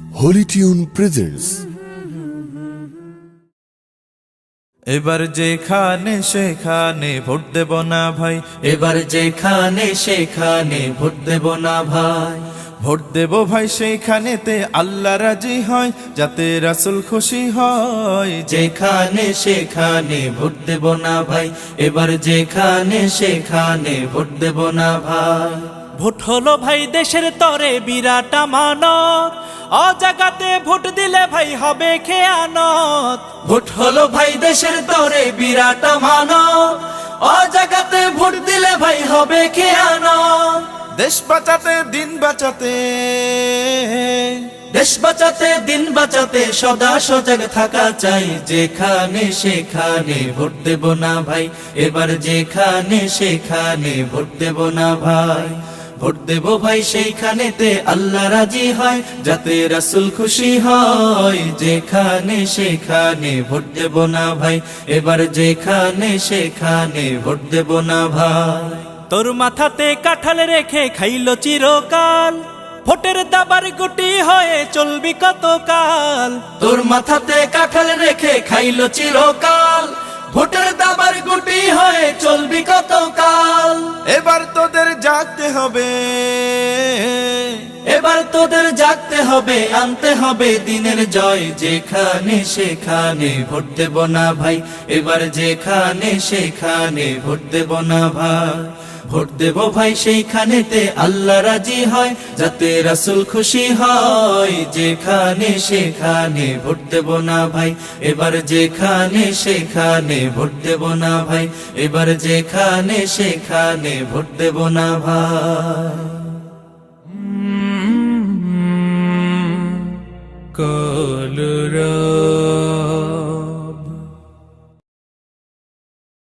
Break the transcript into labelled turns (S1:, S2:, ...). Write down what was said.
S1: Holi tune presents.
S2: এবার যেখানে সেখানে ভোট দেব না ভাই,
S3: এবার যেখানে সেখানে ভোট দেব না ভাই।
S2: ভোট দেব ভাই সেইখানেতে আল্লাহ রাজি হয়, যাতে রাসূল খুশি হয়।
S3: যেখানে সেখানে ভোট দেব না ভাই, এবার যেখানে সেখানে ভোট দেব না ভাই।
S4: ভোট হলো ভাই দেশের তরে বিরাট আমানত, অজাগাতে ভোট দিলে ভাই হবে খেয়ানত।
S3: ভোট হলো ভাই দেশের তরে বিরাট আমানত, অজাগাতে ভোট দিলে ভাই হবে খেয়ানত।
S2: দেশ বাঁচাতে দিন বাঁচাতে,
S3: দেশ বাঁচাতে দিন বাঁচাতে সদা সজাগ থাকা চাই। যেখানে সেখানে ভোট দেব না ভাই, এবার যেখানে সেখানে ভোট দেব না ভাই। ভোট দেব ভাই সেইখানেতে আল্লাহ রাজি হয়, যাতে রাসূল খুশি হয়। যেখানে সেখানে ভোট দেব না ভাই, এবার যেখানে সেখানে ভোট দেব না ভাই।
S4: তোর মাথাতে কাঁঠাল রেখে খাইলো চিরকাল, ভোটের দাবার গুটি হয়ে চলবি কতকাল।
S3: তোর মাথাতে কাঁঠাল রেখে খাইলো চিরকাল, ভোটের দাবার গুটি হয়ে চলবি কতকাল।
S2: এবার তোদের জাগতে হবে,
S3: এবার তোদের জাগতে হবে, আনতে হবে দিনের জয়। যেখানে সেখানে ভোট দেব না ভাই, এবার যেখানে সেখানে ভোট দেব না ভাই। ভোট দেব ভাই সেইখানেতে আল্লাহ রাজি হয়, যাতে রাসূল খুশি হয়। যেখানে সেখানে ভোট দেব না ভাই, এবার যেখানে সেখানে ভোট দেব না ভাই। এবার যেখানে সেখানে ভোট দেব না ভাই।
S4: কলরা